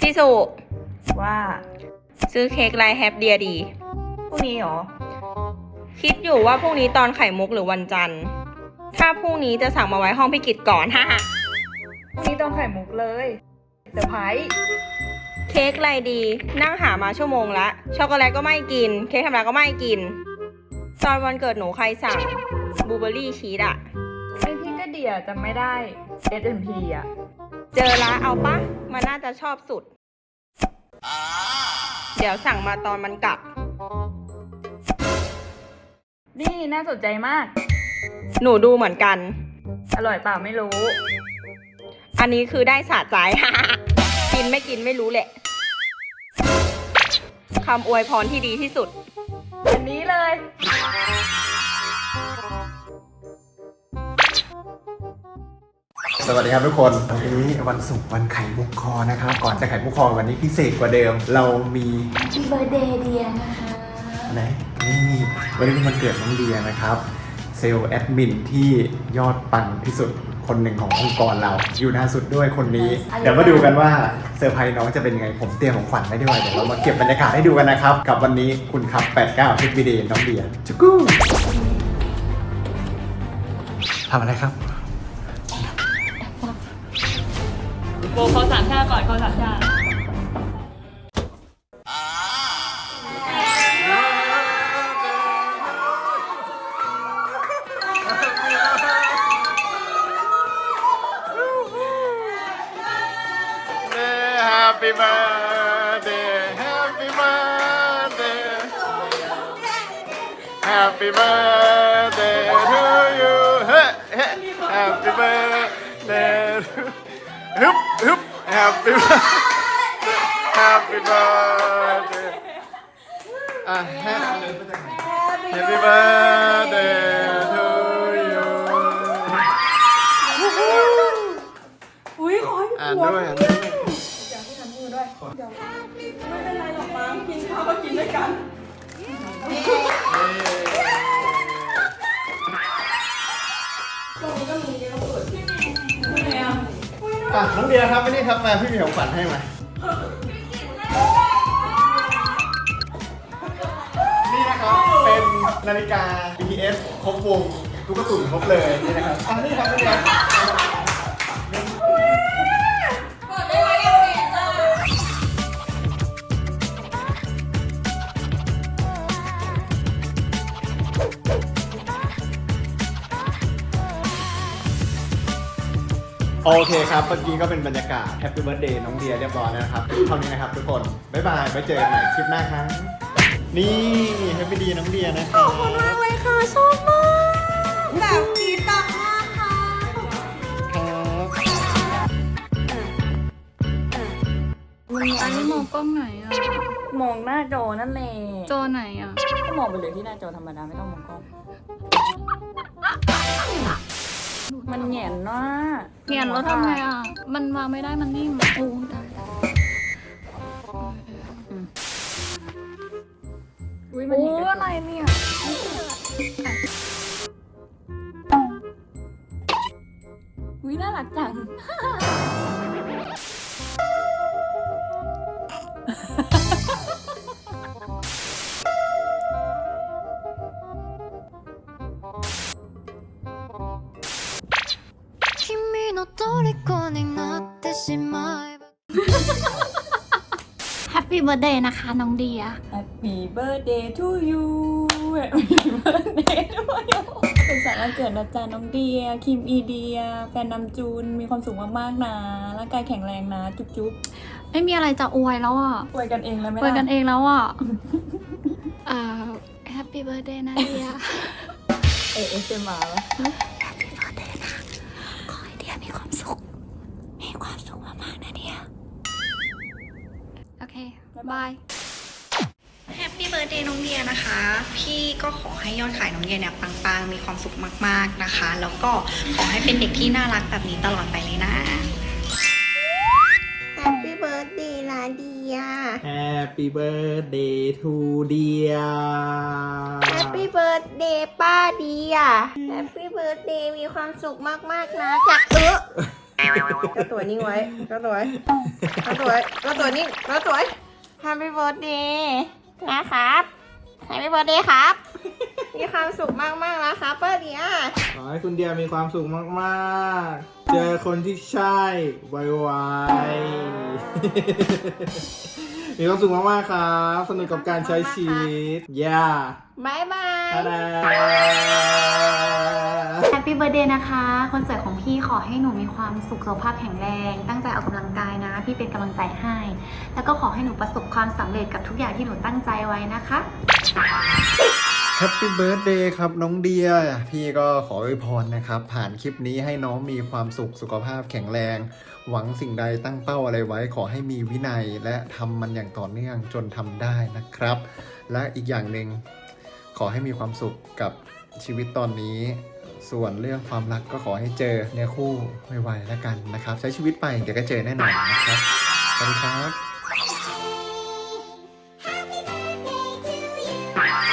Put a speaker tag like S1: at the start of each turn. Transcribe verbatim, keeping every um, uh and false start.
S1: พี่สุ
S2: ว่า
S1: ซื้อเค้กไรแฮปเดียดี
S2: พรุ่งนี้เหรอ
S1: คิดอยู่ว่าพรุ่งนี้ตอนไข่มุกหรือวันจันทร์ถ้าพรุ่งนี้จะสั่งมาไว้ห้องพี่กิตก่อนฮ่าฮ่า
S2: พรุ่งนี้ต้องไข่มุกเลยเซอร์ไพรส์
S1: เค้กไรดีนั่งหามาชั่วโมงละช็อกโกแลตก็ไม่กินเค้กธรรมดาก็ไม่กินตอนวันเกิดหนูใครสั่งบลูเบอร์รี่ชีสอะ
S2: เป็นพี่ก็เดียจำไม่ได้ เอส เอ็ม พี อ่ะ
S1: เจอละเอาปะมันน่าจะชอบสุดเดี๋ยวสั่งมาตอนมันกลับ
S2: นี่น่าสนใจมาก
S1: หนูดูเหมือนกัน
S2: อร่อยเปล่าไม่รู้
S1: อันนี้คือได้สะใจกินไม่กินไม่รู้แหละคำอวยพรที่ดีที่สุด
S2: อันนี้เลย
S3: สวัสดีครับทุกคนวันนี้วันศุกร์วันไข่มุกคอนะครับก่อนจะไข่มุกคอวันนี้พิเศษกว่าเดิมเรามี
S4: Happy Birthday เดียนะคะ
S3: ไหนนี่วันนี้เป็นวันเกิดน้องเดียนะครับเซลล์แอดมินที่ยอดปังที่สุดคนหนึ่งขององค์กรเราอยู่หน้าสุดด้วยคนนี้เดี๋ยวมาดูกันว่าเซอร์ไพรส์น้องจะเป็นยังไงผมเตรียมของขวัญไว้ด้วยเดี๋ยวเรามาเก็บบรรยากาศให้ดูกันนะครับกับวันนี้คุณครับแปดเก้า Happy Birthday น้องเดียจุกูทำอะไรครับ
S2: โบขอสามชาก่อนขอสามชา
S3: Happy birthday Happy birthday Happy birthday to you Happy birthdayฮึบฮึบ Happy birthday Happy birthday อ่ะ Happy birthday to you
S2: อุ้ยขอให้
S3: อ่านด้วยอ่านด้วย
S2: ไม่เป็นไรหรอกมั้งกินข้าวก็กินด้วยกัน
S3: อ่ะน้องเดียครับไม่นี่ครับมาพี่มีของขวัญให้มานี่นะครับเป็นนาฬิกา บี ที เอส ครบวงทุกกระสุนครบเลยนี่นะครับอ่ะนี่ครับนี่ครับโอเคครับเมื่อกี้ก็เป็นบรรยากาศ Happy Birthday น้องเดียเรียบร้อยแล้วนะครับเท่านี้นะครับทุกคนบ๊ายบายไว้เจอกันใหม่คลิปหน้าครับนี่ Happy Birthday น้องเดียนะครับ
S1: ขอบคุณมากเลยค่ะชอบมากแบบดีตังมากค่ะ
S4: อันนี้มองกล้องไหนอ่ะ
S2: มองหน้าจอนั่นแหละ
S4: จอไหนอ่ะ
S2: ก็มองไปเลยที่หน้าจอธรรมดาไม่ต้องมองกล้องมันแหง่นนะ
S4: เขียนแล้วทำไงอ่ะ มันวางไม่ได้มันนิ่มโอ้ตาย
S2: อุ้ยมัน
S4: โอ้
S2: เห็น
S4: อะไรเนี่ย
S2: อุ้ยน่ารักจัง
S4: 君の虜になってしまえば Happy Birthday นะคะน้องเดีย
S2: Happy birthday to you Happy birthday to you เป็นสารวันเกิดนะจ๊ะน้องเดียคิมอีเดียแฟนนำจูนมีความสุขมากๆนะร่างกายแข็งแรงนะจุ๊บๆ
S4: ไม่มีอะไรจะอวยแล้วอ่ะ
S2: อวยกันเองแล้วไหม
S4: อวยกันเองแล้วอ่ะเอ่อ Happy Birthday นะเดีย
S2: เอเอสเอ็มอาร์
S4: Happy Birthday นะขอให้เดียมีความสุขมีความสุขมากๆนะเดียโอเคบาย
S1: Happy Birthday น้องเดียนะคะพี่ก็ขอให้ยอดขายน้องเดียเนี่ยปังๆมีความสุขมากๆนะคะแล้วก็ขอให้เป็นเด็กที่น่ารักแบบนี้ตลอดไปเลยนะ Happy Birthday นะเดีย
S3: Happy Birthday to เดีย
S1: Happy Birthday ป้าเดีย Happy Birthday มีความสุขมากๆนะจากเออ
S5: ก็ตัวนิ่งไว้ก็ตัวไว้ก็ตัวไว้ก็ตัวนิ่งก็ตัวไว้ Happy birthday นะครับ Happy birthday ครับ มีความสุขมากๆนะครับเปิ้ลเนี่ย
S6: ขอให้คุณเดียมีความสุขมากๆ เจอคนที่ใช่ไวๆ มีความสุขมากๆครับ สนุกกับการใช้ชีวิต ย่า
S5: บายบาย
S6: ตาดา
S4: แฮปปี้เบิร์ดเดย์นะคะคอนเสิร์ตของพี่ขอให้หนูมีความสุขสุขภาพแข็งแรง ตั้งใจออกกำลังกายนะ พี่เป็นกำลังใจให้ แล้วก็ขอให้หนูประสบความสำเร็จกับทุกอย่างที่หนูตั้งใจไว้นะคะ
S3: แฮปปี้เบิร์ดเดย์ครับน้องเดีย พี่ก็ขออวยพรนะครับ ผ่านคลิปนี้ให้น้องมีความสุขสุขภาพแข็งแรง หวังสิ่งใดตั้งเป้าอะไรไว้ ขอให้มีวินัยและทำมันอย่างต่อเนื่องจนทำได้นะครับ และอีกอย่างหนึ่งขอให้มีความสุขกับชีวิตตอนนี้ ส่วนเรื่องความรักก็ขอให้เจอเนื้อคู่ไวๆแล้วกันนะครับ ใช้ชีวิตไปเดี๋ยวก็เจอแน่นอนนะครับสวัสดีครับ